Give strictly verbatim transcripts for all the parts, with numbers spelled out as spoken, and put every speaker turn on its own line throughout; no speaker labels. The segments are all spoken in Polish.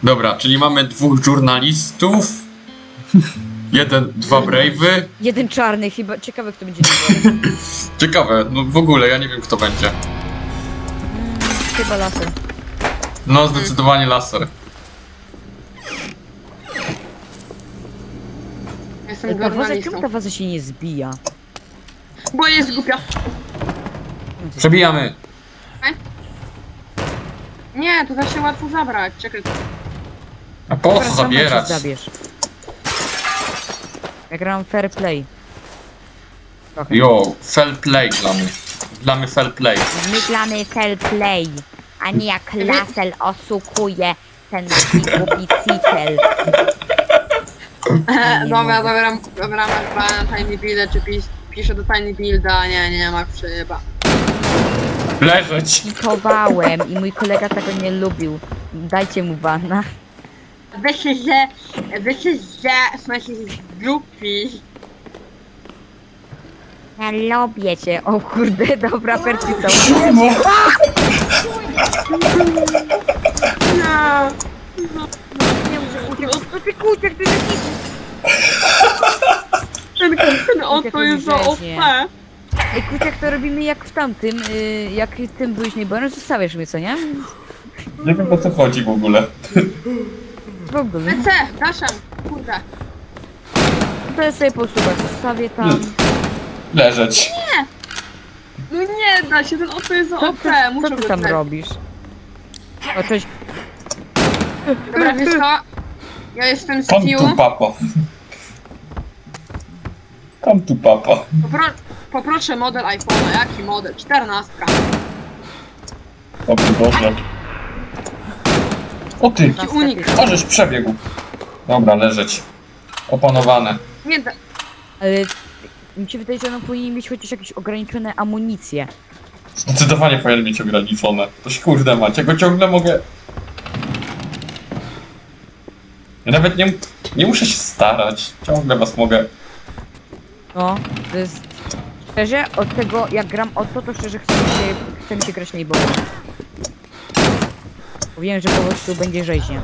Dobra, czyli mamy dwóch żurnalistów. Jeden, dwa brave'y.
Jeden czarny chyba. Ciekawe kto będzie numerem.
Ciekawe, no w ogóle ja nie wiem kto będzie.
Mm, chyba laser.
No zdecydowanie laser.
Jestem
Ta waza,
żurnalistą.
czemu ta waza się nie zbija?
Bo jest głupia.
Przebijamy.
Nie, to da się łatwo zabrać. Czekaj.
A po
Dobra,
co
sama się
zabierać?
zabierz. Ja gram fair play. Trochę.
Jo, fair play dla mnie. Dla mnie fair play.
My gramy fair play, a nie jak laser oszukuje ten głupi cikel.
E,
nie
dobra,
mogę.
zabieram, zabieram na Tiny Builda, czy pis, piszę do Tiny Builda, nie, nie, ma przyjeba.
Leżeć.
Kitowałem i mój kolega tego nie lubił. Dajcie mu bana.
Wiecie, że, wiecie, że, słuchajcie, jest głupi.
Ja lubię cię. O kurde, dobra percyca.
Nie.
Nie muszę uciec. No ty kuciek, ty taki...
Ten, ten oto jest za O
Rzeźnie.
P.
Ej, kuciak to robimy jak w tamtym, y, jak tym byłeś najbardziej, zostawiasz mnie, co nie?
Nie wiem o co chodzi w ogóle.
W ogóle.
C, daszem, kurde.
To ja sobie po prostu tak zostawię tam.
Leżeć.
No nie da się, ten oto jest za
Co
O
ty,
P,
co
muszę
ty
go
tam
znaleźć.
robisz? O, cześć.
Dobra, wiesz co? Ja jestem
Come
Stu.
tu papa. Come tu papa.
Popro poproszę model iPhone'a. Jaki model? czternastka.
O mój Boże. O ty,
Taki unik.
możesz przebiegł. Dobra, leżeć. Opanowane.
Nie da.
Ale mi się wydaje, że ono powinien mieć chociaż jakieś ograniczone amunicje.
Zdecydowanie powinien mieć ograniczone. To się kurde mać, ja go ciągle mogę... Ja nawet nie, nie muszę się starać. Ciągle was mogę...
No, to jest... Szczerze, od tego jak gram o to, to szczerze chcę mi się, chce mi się grać najbolej. Bo wiem, że po prostu będzie rzeźnia.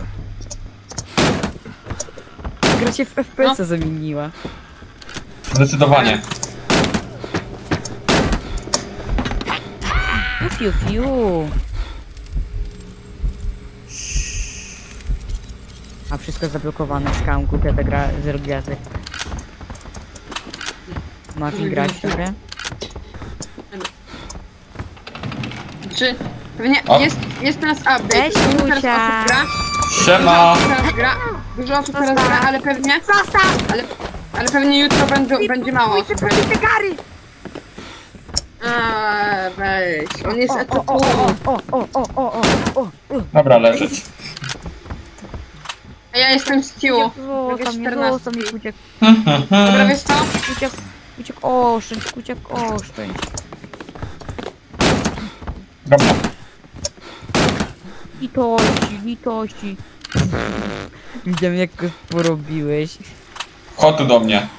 Gra się w F P S-a
No.
zamieniła.
Zdecydowanie.
Fiu, fiu. A wszystko zablokowane, skam, głupia ta gra, zero gwiazdek. Martin grać w tę grę?
Czy pewnie
O.
jest, jest teraz update.
Cześć,
Dużo teraz
Lucia.
osób gra.
Siema!
Dużo osób teraz gra. Dużo osób teraz gra, ale pewnie. Ale, ale pewnie jutro będzie, będzie mało osób.
Gary!
Eee, weź. On jest
O, o,
etatu.
o, o, o, o, o, o, o, o.
Dobra, leżeć.
A ja jestem Stu.
Zostaw mnie, zostaw mnie, kuciak,
Dobra, wiesz co?
kuciak, kuciak, oszczędź, kuciak, oszczędź.
Dobra.
Litości, litości. Widziałem jak go porobiłeś.
Chodź tu do mnie.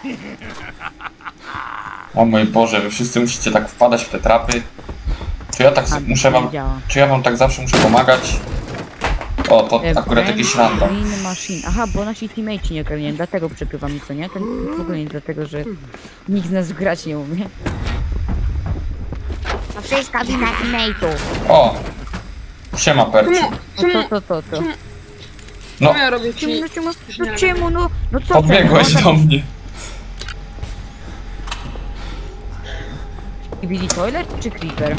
O mój Boże, wy wszyscy musicie tak wpadać w te trapy. Czy ja tak
A,
muszę wam...
nie działa.
Czy ja wam tak zawsze muszę pomagać? O, to
E,
akurat
Brain-
jakiś random.
Brain Machine. Aha, bo nasi teammate'i nie ogarniają, dlatego przegrywa mi co nie? To w ogóle nie dlatego, że nikt z nas grać nie umie. To wszystko wina teammate'ów.
O! Siema, Perciu.
Czemu?
No
Czemu?
to, to, to, to.
No,
Czemu ja robię
Czemu,
ci...
no czemu,
Już nie
no
robię.
czemu, no, no co
podbiegłeś
ty?
do mnie.
Billy Toilet czy Creeper?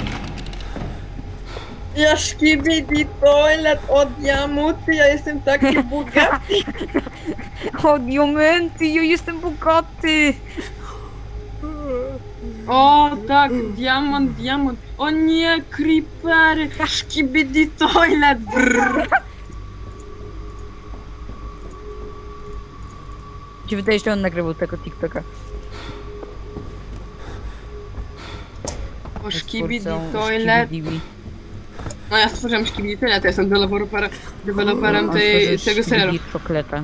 Ja szkibidi toilet od jamuty, ja jestem taki bogaty.
O, diamenty, ja jestem bogaty!
O tak, diamant, diamant. O nie, creepery. Szkibidi toilet. Brrr.
Mi się wydaje, że on nagrywał tego TikToka.
O
Z
szkibidi
twórcą
toilet.
Skibidi.
No ja stworzyłem szkibidi toilet, ja jestem deweloperem, deweloperem
On
tej,
stworzył
tego serialu.
Skibidi Czokoleta.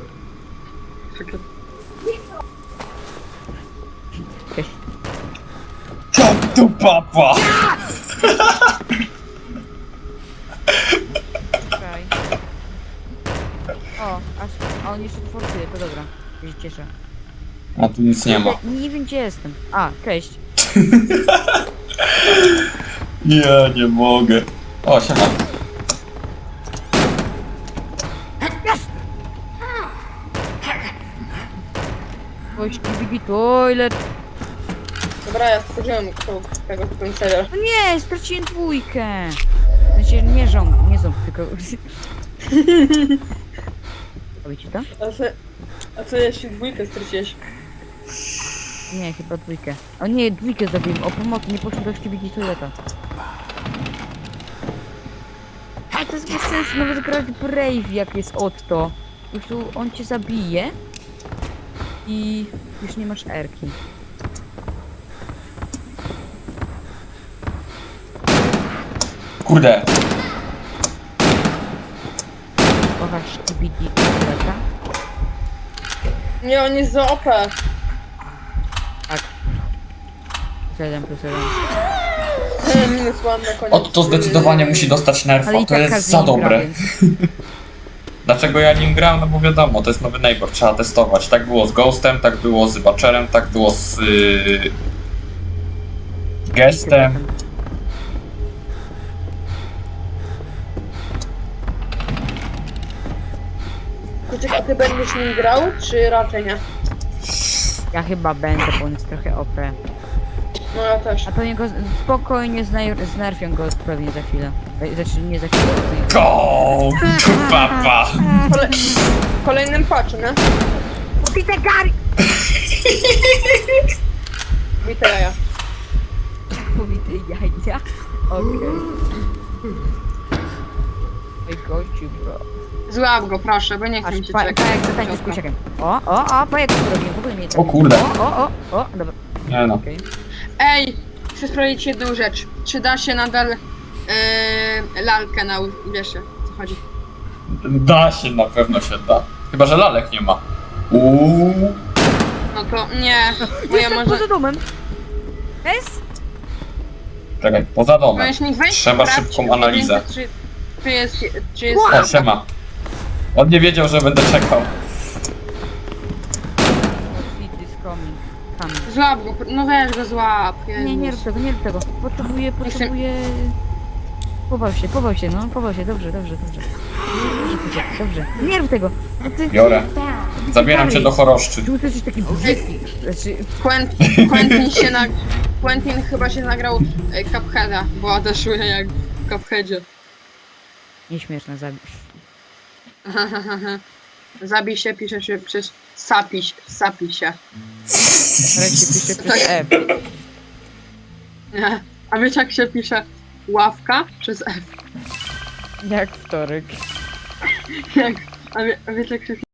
Cześć.
Come tu papa!
Czekaj. O, aż, a on jeszcze forsuje, to dobra. Ja się cieszę.
A tu nic nie ma.
Nie, nie wiem gdzie jestem. A, cześć.
Ja nie mogę. O, siema.
Oj, Skibidi Toilet.
Dobra, ja stworzyłem tego, tego ten serial.
No nie, straciłem dwójkę. Znaczy, nie ząb, nie ząb, tylko... Robicie to?
A co, a co jeśli dwójkę straciłeś?
Nie, chyba dwójkę. O nie, dwójkę zabiłem. O pomocy, nie poszło do Skibidi Toileta. Ale to jest bez sensu, nawet grać Brave jak jest Otto. Po prostu on cię zabije i już nie masz erki.
Kurde.
Kochasz Skibidi Toileta?
Nie, on jest za O P.
Tak. Plus jeden, plus jeden.
Minus one na koniec.
Otto zdecydowanie musi dostać nerfa,
Ale i
to
tak
jest
każdy
za
nim gra,
dobre.
więc...
Dlaczego ja nim gram? No bo wiadomo, to jest nowy neighbor, trzeba testować. Tak było z Ghostem, tak było z Butcherem, tak było z yy, Gestem.
Kuczyk, a ty będziesz nim grał, czy raczej nie?
Ja chyba będę, bo on jest trochę O P.
No ja też.
A pewnie go spokojnie zner- znerfią go pewnie za chwilę. E, Znaczy nie za chwilę. tylko
Go! Papa!
Kole w kolejnym patchu, nie?
Peter Gary!
Witaj ja.
Powity jajcia. Okej. Oj gościu, bro.
Złap go, proszę, bo nie chcę
Aż
mi się
pa-
czekać.
pajek zatańczy z kurczakiem. O, o, o, pajek to robię, w ogóle mnie
O kurde.
O, o, o, o, dobra,
Nie no.
okej.
Ej, chcę sprawdzić jedną rzecz. Czy da się nadal yy, lalkę na u- wiesz, o co chodzi?
Da się, na pewno się da. Chyba, że lalek nie ma. Uuu.
No to nie, bo ja
Jestem
może...
poza domem. Es?
Czekaj, poza domem.
Możesz niech wejść,
Trzeba
sprawdź,
szybką analizę.
Czy, czy jest, czy jest...
O, siema. On nie wiedział, że będę czekał.
It is coming. Coming.
Złap go, no weź go złap.
Nie, nie rób
Jezus.
tego, nie rób tego. Potrzebuję, potrzebuję... Pował się, pował się, no, pował się, dobrze, dobrze, dobrze. Dobrze, dobrze. Nie rób tego. No ty...
Biorę. Zabieram cię do choroszczy.
Czemu ty jesteś taki brzydki? Znaczy,
Quentin, Quentin się nag... Quentin chyba się nagrał e, Cupheada, bo odeszły jak w Cupheadzie.
nieśmieszne zabić.
Zabij się, pisze się przez sapiś, sapi się.
Ale się pisze przez F.
Nie. A wiecie jak się pisze ławka przez F?
Jak wtorek.
Jak, a, wie, a wiecie jak się